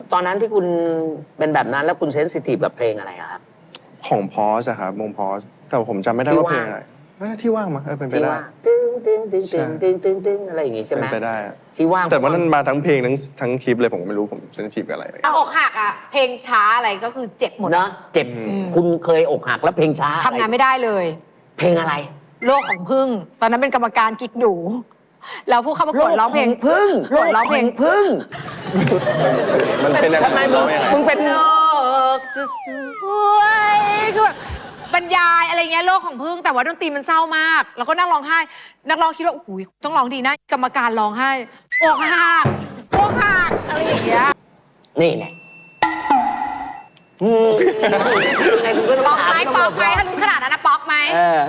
ตอนนั้นที่คุณเป็นแบบนั้นแล้วคุณเซนซิทีฟกับเพลงอะไรอะครับของพอสอะครับวงพอสแต่ผมจำไม่ได้ว่าเพลงอะไรที่ว่างมั้งเป็นไปได้ตึ้งตึ้งตึ้งตึ้งตึ้งตึ้งตึ้งอะไรอย่างงี้ใช่ไหมเป็นไปได้ที่ว่างแต่ว่านั้นมาทั้งเพลงทั้งคลิปเลยผมไม่รู้ผมเซนซิทีฟกับอะไรอกหักอ่ะเพลงช้าอะไรก็คือเจ็บหมดนะเจ็บคุณเคยอกหักแล้วเพลงช้าทำงานไม่ได้เลยเพลงอะไรโลกของพึ่งตอนนั้นเป็นกรรมการกิ๊กดูแล้วผู้เข้าประกวดร้องเพลงพึ่งร้องเพลงพึ่งมันเป็นยังไงทำไมมึงเป็นโลกสวยคือแบบบรรยายอะไรเงี้ยโลกของพึ่งแต่ว่าดนตรีมันเศร้ามากแล้วก็นั่งร้องไห้นักร้องคิดว่าโอ้โหต้องร้องดีนะกรรมการร้องไห้อกหักอะไรอย่างเงี้ยนี่แหละยังไงคุณก็ป๊อกไหมป๊อกไหมถ้าลุ้นขนาดนั้นนะป๊อกไหม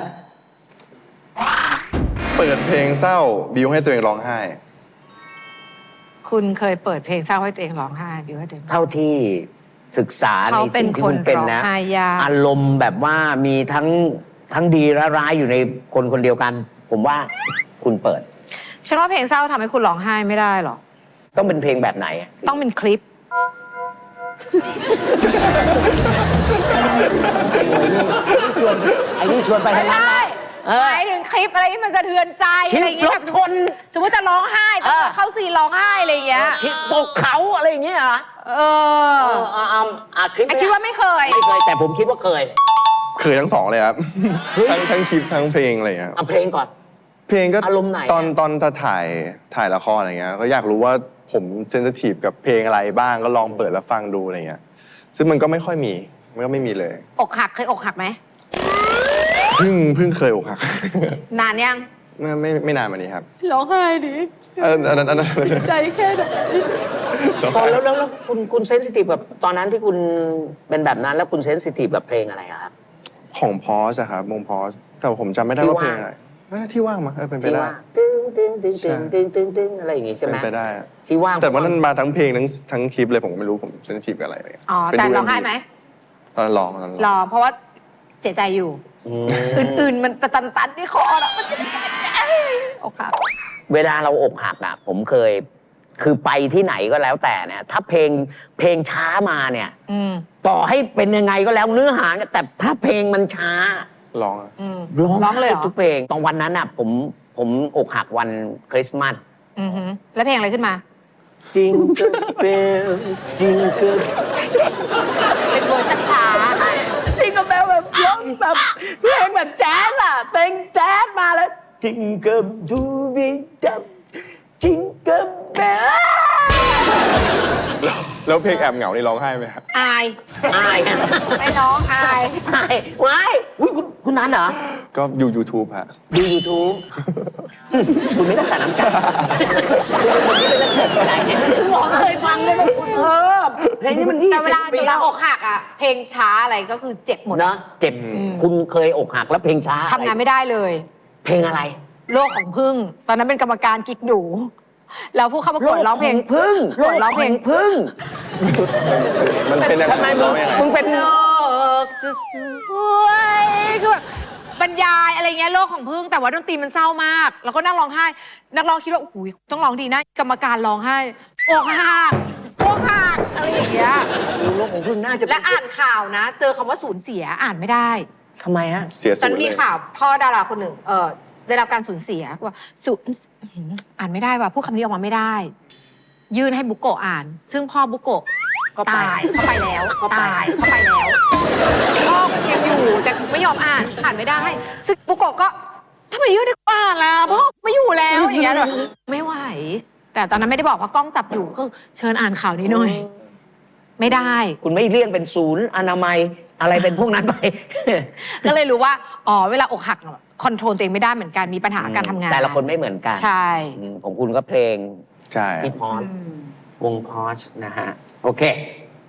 เปิดเพลงเศร้าบิวให้ตัวเองร้องไห้คุณเคยเปิดเพลงเศร้าให้ตัวเองร้องไห้บิวให้ตัวเองเท่าที่ศึกษาในสิ่งที่คุณเป็นนะอารมณ์แบบว่ามีทั้งดีและร้ายอยู่ในคนคนเดียวกัน ผมว่าคุณเปิดฉันว่าเพลงเศร้าทำให้คุณร้องไห้ไม่ได้หรอกต้องเป็นเพลงแบบไหนต้องเป็นคลิปไอ้นี่ชวนไปทางนั้นหมายถึงคลิปอะไรที่มันสะเทือนใจอะไรอย่างเงี้ยแบบชนสมมติจะร้องไห้ต้องเข้าซีนร้องไห้อะไรอย่างเงี้ยตกเขาอะไรอย่างเงี้ยคลิปคิดว่าไม่เคยแต่ผมคิดว่าเคยทั้งสองเลยครับทั้งคลิปทั้งเพลงอะไรเงี้ยเพลงก่อนเพลงก็อารมณ์ไหนตอนจะถ่ายละครอะไรเงี้ยก็อยากรู้ว่าผมเซนซิทีฟกับเพลงอะไรบ้างก็ลองเปิดแล้วฟังดูอะไรเงี้ยซึ่งมันก็ไม่ค่อยมีมันก็ไม่มีเลยอกหักเคยอกหักไหมเพิ่งเคยอกหักนานยังไม่นานมานี้ครับร้องไห้ดิอันนั้นใจแค่ไหนแล้วคุณเซนซิทีฟกับตอนนั้นที่คุณเป็นแบบนั้นแล้วคุณเซนซิทีฟกับเพลงอะไรครับของพอสอะครับวงพอสแต่ผมจำไม่ได้ว่าเพลงอะไรที่ว่างมั้งเป็นไปได้ตึ้งตึ้งตึ้งตึ้งตึ้งตึ้งตึ้งอะไรอย่างงี้ใช่ไหมเป็นไปได้ที่ว่างแต่ว่านั้นมาทั้งเพลงทั้งคลิปเลยผมไม่รู้ผมเซนซิทีฟกับอะไรแต่ร้องไห้ไหมตอนร้องเพราะว่าเสียใจอยู่อื่นๆมันตันที่คอแล้วมันจะอกหักเวลาเราอกหักอ่ะผมเคยคือไปที่ไหนก็แล้วแต่เนี่ยถ้าเพลงช้ามาเนี่ยต่อให้เป็นยังไงก็แล้วเนื้อหาแต่ถ้าเพลงมันช้าร้องเลยทุกเพลงตอนวันนั้นอ่ะผมอกหักวันคริสต์มาสแล้วเพลงอะไรขึ้นมาจริงก็เป็นจริงก็เป็นเวอร์ชันช้าจริงก็แบบร้องแบบเพลงแบบแจ๊สอ่ะเพลงแจ๊สมาแล้วจริงก็ดูวิดับจริงก็แบบแล้วเพลงแอบเหงานี่ร้องไห้ไหมครับอายไม่ร้องอายว้ายคุณนั้นเหรอก็ดู YouTube ฮะดู YouTube คุณไม่ต้องใส่น้ำใจคุณเป็นคนที่เป็นนักเสิร์ฟอะไรเนี่ยหมอเคยฟังเลยเพลงนี้มันแต่เวลาอกหักอ่ะเพลงช้าอะไรก็คือเจ็บหมดนะเจ็บคุณเคยอกหักแล้วเพลงช้าทำงานไม่ได้เลยเพลงอะไรโลกของพึ่งตอนนั้นเป็นกรรมการกิ๊กดูแล้วผู้เข้าประกวดร้องเพลงพึ่งร้องเพลงพึ่งมันเป็นยังไงมึงเป็นโลกสวยคือแบบบรรยายอะไรเงี้ยโลกของพึ่งแต่ว่าดนตรีมันเศร้ามากแล้วก็นั่งร้องไห้นักร้องคิดว่าโอ้โหต้องร้องดีนะกรรมการร้องไห้อกหักอะไรอย่างเงี้ยโลกของพึ่งน่าจะและอ่านข่าวนะเจอคำว่าสูญเสียอ่านไม่ได้ทำไมฮะฉันมีข่าวพ่อดาราคนหนึ่งได้รับการสูญเสียว่าสูญอ่านไม่ได้ว่ะพูดคำนี้ออกมาไม่ได้ยื่นให้บุโกะอ่านซึ่งพ่อบุโกะตายเข้าไปแล้วพ่อยังอยู่แต่ไม่ยอมอ่านไม่ได้ซึ่งบุโกะก็ทำไมยื่นให้กูอ่านล่ะพ่อไม่อยู่แล้วอย่างเงี้ยไม่ไหวแต่ตอนนั้นไม่ได้บอกว่ากล้องจับอยู่ก็เชิญอ่านข่าวนี้หน่อยไม่ได้คุณไม่เลี่ยงเป็นศูนย์อนามัยอะไรเป็นพวกนั้นไปก็เลยรู้ว่าเวลาอกหักคอนโทรลตัวเองไม่ได้เหมือนกันมีปัญหาการทำงานแต่ละคนไม่เหมือนกันใช่ของคุณก็เพลงใช่ที่พอสวงพอสนะฮะโอเค